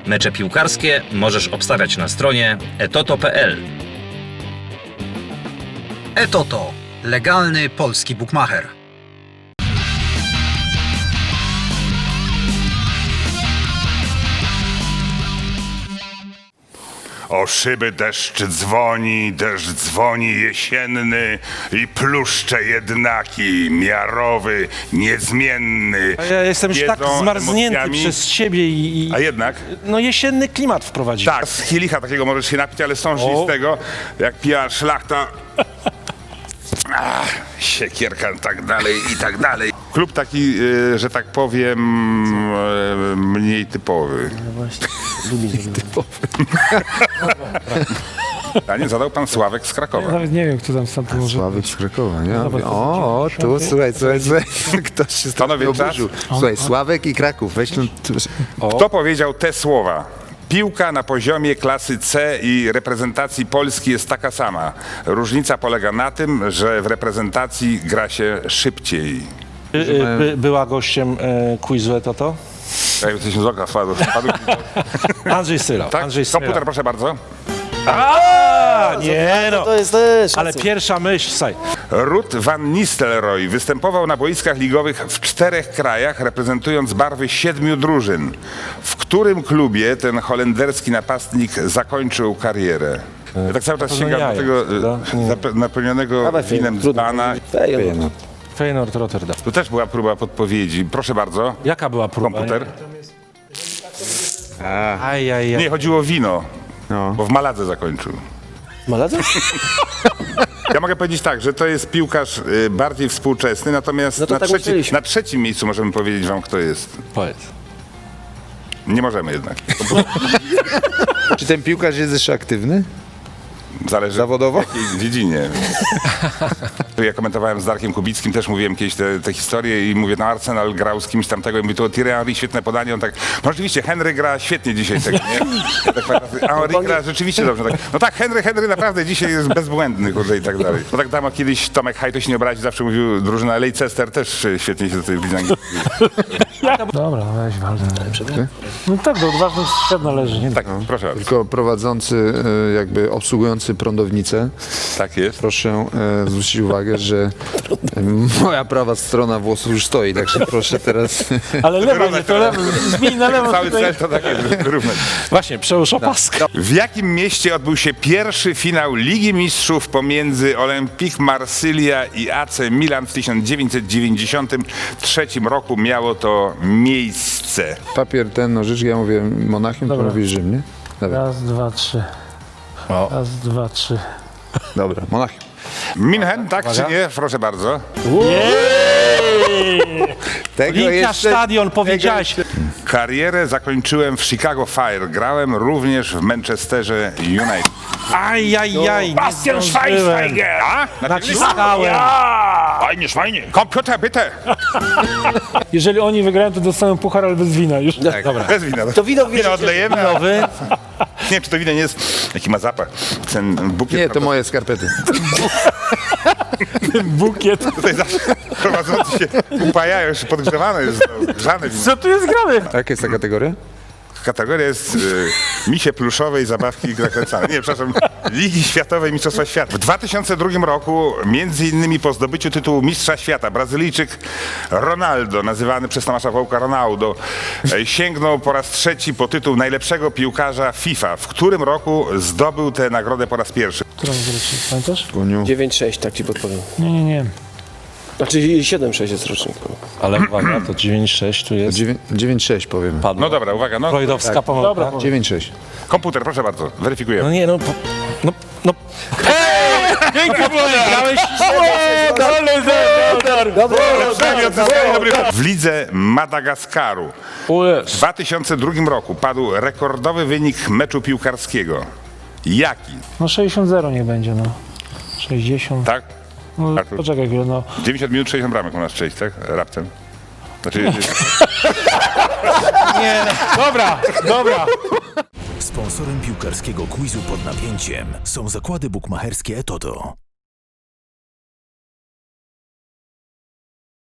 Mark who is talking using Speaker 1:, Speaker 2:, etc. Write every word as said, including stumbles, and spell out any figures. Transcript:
Speaker 1: Mecze piłkarskie możesz obstawiać na stronie etoto kropka p l.
Speaker 2: Etoto. Legalny polski bukmacher.
Speaker 3: O szyby deszcz dzwoni, deszcz dzwoni jesienny i pluszcze jednaki, miarowy, niezmienny.
Speaker 4: A ja jestem już tak
Speaker 3: Jedzą
Speaker 4: zmarznięty
Speaker 3: emocjami.
Speaker 4: przez siebie i, i
Speaker 3: A jednak?
Speaker 4: no jesienny klimat wprowadził.
Speaker 3: Tak, z kielicha takiego możesz się napić, ale sążnistego, jak pija szlachta. Ach, siekierka i tak dalej, i tak dalej. Klub taki, y, że tak powiem, y, mniej typowy. A nie zadał pan Sławek z Krakowa.
Speaker 5: Nawet nie wiem, kto tam sam to może.
Speaker 6: Sławek z Krakowa, nie?
Speaker 5: Zobacz,
Speaker 6: O, o, tu, słuchaj, słuchaj, słuchaj. Ktoś się
Speaker 3: Panowie,
Speaker 6: strasznie
Speaker 3: czas?
Speaker 6: oburzył. Słuchaj, Sławek i Kraków, weź ten...
Speaker 3: Kto powiedział te słowa? Piłka na poziomie klasy C i reprezentacji Polski jest taka sama. Różnica polega na tym, że w reprezentacji gra się szybciej.
Speaker 4: By, by, była gościem e, quizu Etoto?
Speaker 3: Ja jesteśmy z oka spadł. spadł.
Speaker 4: Andrzej Syrał.
Speaker 3: Tak?
Speaker 4: Andrzej Syrał.
Speaker 3: Komputer, proszę bardzo.
Speaker 4: A, nie no.
Speaker 7: To jest też.
Speaker 4: Ale pierwsza myśl, saj.
Speaker 3: Ruud van Nistelrooy występował na boiskach ligowych w czterech krajach, reprezentując barwy siedmiu drużyn. W którym klubie ten holenderski napastnik zakończył karierę? Ja tak cały czas
Speaker 4: No
Speaker 3: sięgam
Speaker 4: jaja,
Speaker 3: do tego
Speaker 4: prawda?
Speaker 3: e, zap- napełnionego winem dzbana.
Speaker 7: Feyenoord.
Speaker 4: Feyenoord Rotterdam.
Speaker 3: Tu też była próba podpowiedzi. Proszę bardzo.
Speaker 4: Jaka była próba?
Speaker 3: Komputer.
Speaker 4: Aj, aj, aj.
Speaker 3: Nie, chodziło o wino,
Speaker 6: No.
Speaker 3: bo w Maladze zakończył.
Speaker 7: Maladze?
Speaker 3: Ja mogę powiedzieć tak, że to jest piłkarz y, bardziej współczesny, natomiast
Speaker 7: No to
Speaker 3: na,
Speaker 7: tak
Speaker 3: trzeci,
Speaker 7: myśleliśmy.
Speaker 3: na trzecim miejscu możemy powiedzieć wam, kto jest.
Speaker 4: Powiedz.
Speaker 3: Nie możemy jednak.
Speaker 6: Czy ten piłkarz jest jeszcze aktywny?
Speaker 3: Zależy
Speaker 6: Zawodowo?
Speaker 3: w jakiej dziedzinie. Ja komentowałem z Darkiem Kubickim, też mówiłem kiedyś te, te historie i mówię, no Arsenal grał z kimś tamtego i mówię, to Thierry Henry, świetne podanie, on tak, no rzeczywiście, Henry gra świetnie dzisiaj tego, nie? Ja tak pamiętam, a Henry gra rzeczywiście dobrze, tak. No tak, Henry, Henry naprawdę dzisiaj jest bezbłędny, kurde, i tak dalej. No tak tam kiedyś Tomek Haj, to się nie obrazi, zawsze mówił, drużyna Leicester też e, świetnie się do tej bliźnianki.
Speaker 5: Dobra, no weź Waldę. No tak, do odważnych świat należy, nie?
Speaker 3: Tak, proszę bardzo.
Speaker 6: Tylko prowadzący, e, jakby obsługujący prądownicę,
Speaker 3: Tak jest.
Speaker 6: proszę e, zwrócić uwagę, że e, moja prawa strona włosów już stoi, także proszę teraz...
Speaker 5: Ale lewa, nie, to lewo, zmień na lewo
Speaker 3: Cały
Speaker 5: tutaj.
Speaker 3: cel to takie wyrównać.
Speaker 4: Właśnie, przełóż opaskę.
Speaker 3: W jakim mieście odbył się pierwszy finał Ligi Mistrzów pomiędzy Olympique Marsylia i A C Milan w tysiąc dziewięćset dziewięćdziesiątym trzecim roku miało to miejsce?
Speaker 6: Papier, ten, nożyczki, ja mówię Monachium, to
Speaker 5: Dobra.
Speaker 6: mówisz Rzym, nie? Dobra,
Speaker 5: Raz, dwa, trzy. Raz, dwa, trzy.
Speaker 6: dobra, Monachium.
Speaker 3: Minhen, tak czy nie? Proszę bardzo.
Speaker 6: Tego
Speaker 4: Olimpia Stadion, powiedziałeś.
Speaker 3: Karierę zakończyłem w Chicago Fire. Grałem również w Manchesterze United.
Speaker 4: Aj, aj, aj.
Speaker 3: Bastian Schweinsteiger! A?
Speaker 4: Naciskałem.
Speaker 3: Fajnie, fajnie. Komputer, bitte!
Speaker 5: Jeżeli oni wygrają, to dostaną puchar, ale bez wina już.
Speaker 3: Tak, dobra. Bez wina.
Speaker 7: To wino
Speaker 3: Wino odlejemy.
Speaker 4: Nowy.
Speaker 3: Nie wiem, czy to wino nie jest... Jaki ma zapach. Ten bukiet...
Speaker 6: Nie, to moje skarpety.
Speaker 5: Bukiet.
Speaker 3: Tutaj zawsze prowadzący się upajają, już podgrzewane jest, no, grzane wino.
Speaker 5: Co tu jest grane?
Speaker 6: A jaka jest ta kategoria?
Speaker 3: Kategoria jest y, misie pluszowe i zabawki zakręcane. Nie, przepraszam, Ligi Światowej Mistrzostwa Świata. W dwa tysiące drugim roku, między innymi po zdobyciu tytułu Mistrza Świata, Brazylijczyk Ronaldo, nazywany przez Tomasza Wołka Ronaldo, e, sięgnął po raz trzeci po tytuł najlepszego piłkarza FIFA. W którym roku zdobył tę nagrodę po raz pierwszy?
Speaker 5: Którą zresztą, pamiętasz?
Speaker 6: Kuniu.
Speaker 7: dziewięć sześć, tak ci podpowiem.
Speaker 5: Nie, nie, nie.
Speaker 7: Znaczy siedem sześć jest rocznik.
Speaker 4: Ale uwaga, to dziewięć sześć tu jest.
Speaker 6: dziewięć sześć powiem.
Speaker 4: Padło.
Speaker 3: No dobra, uwaga, no.
Speaker 4: Freudowska pomyłka.
Speaker 5: Dobra,
Speaker 6: dziewięć sześć.
Speaker 3: Komputer, proszę bardzo,
Speaker 4: No
Speaker 3: weryfikujemy.
Speaker 4: nie, no, po- no, no. Pięknie grałeś.
Speaker 3: W lidze Madagaskaru w dwa tysiące drugim roku padł rekordowy wynik meczu piłkarskiego. Jaki?
Speaker 5: no sześćdziesiąt zero niech będzie, no. sześćdziesiąt.
Speaker 3: Tak?
Speaker 5: No,
Speaker 3: Artur.
Speaker 5: poczekaj chwilę, no.
Speaker 3: dziewięćdziesiąt minut, sześćdziesiąt bramek u nas przejść, tak? Raptem. Znaczy,
Speaker 4: Nie, dobra, dobra.
Speaker 8: Sponsorem piłkarskiego quizu pod napięciem są zakłady bukmacherskie Etoto.